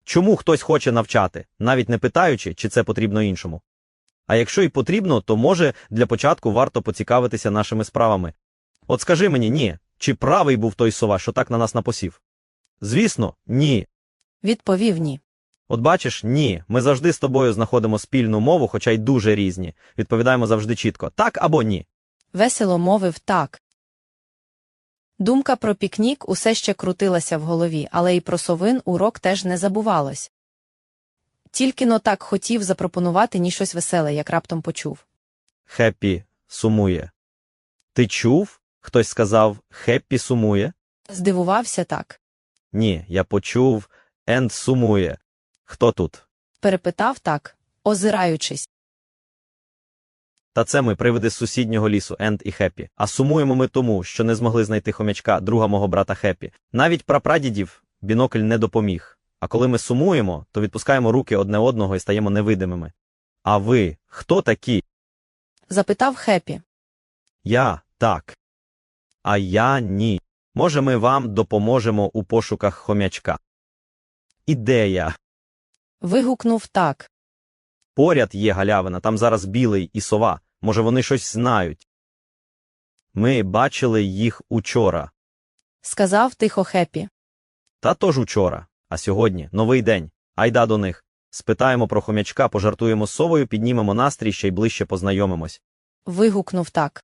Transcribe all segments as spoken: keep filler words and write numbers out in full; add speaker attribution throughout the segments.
Speaker 1: Чому хтось хоче навчати, навіть не питаючи, чи це потрібно іншому? А якщо і потрібно, то може для початку варто поцікавитися нашими справами. От скажи мені, ні, чи правий був той сова, що так на нас напосів? Звісно, ні.
Speaker 2: Відповів ні.
Speaker 1: От бачиш, ні, ми завжди з тобою знаходимо спільну мову, хоча й дуже різні. Відповідаємо завжди чітко, так або ні.
Speaker 2: Весело мовив так. Думка про пікнік усе ще крутилася в голові, але й про совин урок теж не забувалось. Тільки-но так хотів запропонувати ні щось веселе, як раптом почув.
Speaker 1: Хеппі сумує. Ти чув? Хтось сказав, Хеппі сумує?
Speaker 2: Здивувався так.
Speaker 1: Ні, я почув, Енд сумує. Хто тут?
Speaker 2: Перепитав так, озираючись.
Speaker 1: Та це ми, привиди з сусіднього лісу, Енд і Хеппі. А сумуємо ми тому, що не змогли знайти хомячка, друга мого брата Хеппі. Навіть прапрадідів бінокль не допоміг. А коли ми сумуємо, то відпускаємо руки одне одного і стаємо невидимими. А ви, хто такі?
Speaker 2: Запитав Хеппі.
Speaker 1: Я – так. А я – ні. Може, ми вам допоможемо у пошуках хомячка? Ідея.
Speaker 2: Вигукнув так.
Speaker 1: Поряд є галявина, там зараз білий і сова. Може, вони щось знають. Ми бачили їх учора.
Speaker 2: Сказав тихо Хеппі.
Speaker 1: Та тож учора. А сьогодні новий день. Айда до них. Спитаємо про хомячка, пожартуємо з совою, піднімемо настрій, ще й ближче познайомимось.
Speaker 2: Вигукнув так.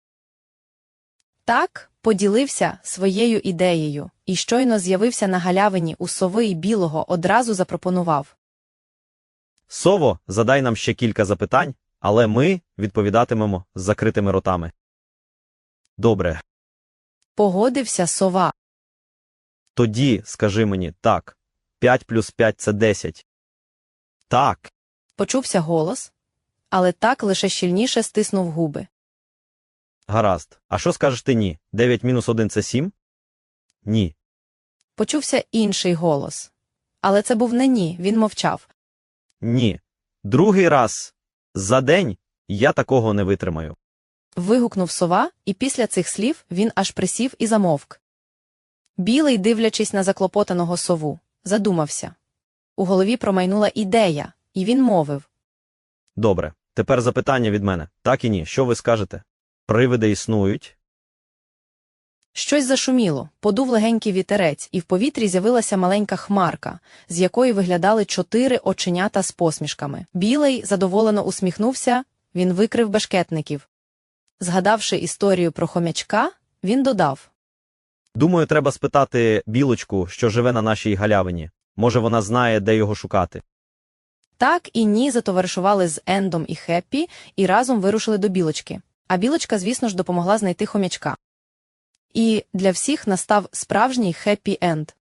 Speaker 2: Так, поділився своєю ідеєю, і щойно з'явився на галявині у сови і білого, одразу запропонував.
Speaker 1: Сово, задай нам ще кілька запитань, але ми відповідатимемо з закритими ротами. Добре.
Speaker 2: Погодився сова.
Speaker 1: Тоді скажи мені, так, п'ять плюс п'ять – це десять. Так.
Speaker 2: Почувся голос, але так лише щільніше стиснув губи.
Speaker 1: Гаразд. А що скажеш ти ні? дев'ять мінус один – це сім? Ні.
Speaker 2: Почувся інший голос. Але це був не ні, він мовчав.
Speaker 1: Ні. Другий раз за день я такого не витримаю.
Speaker 2: Вигукнув сова, і після цих слів він аж присів і замовк. Білий, дивлячись на заклопотаного сову, задумався. У голові промайнула ідея, і він мовив.
Speaker 1: Добре. Тепер запитання від мене. Так і ні. Що ви скажете? Привиди існують?
Speaker 2: Щось зашуміло, подув легенький вітерець, і в повітрі з'явилася маленька хмарка, з якої виглядали чотири оченята з посмішками. Білий задоволено усміхнувся, він викрив бешкетників. Згадавши історію про хомячка, він додав.
Speaker 1: Думаю, треба спитати білочку, що живе на нашій галявині. Може, вона знає, де його шукати.
Speaker 2: Так і ні затоваришували з Ендом і Хеппі і разом вирушили до білочки. А білочка, звісно ж, допомогла знайти хомячка. І для всіх настав справжній хеппі-енд.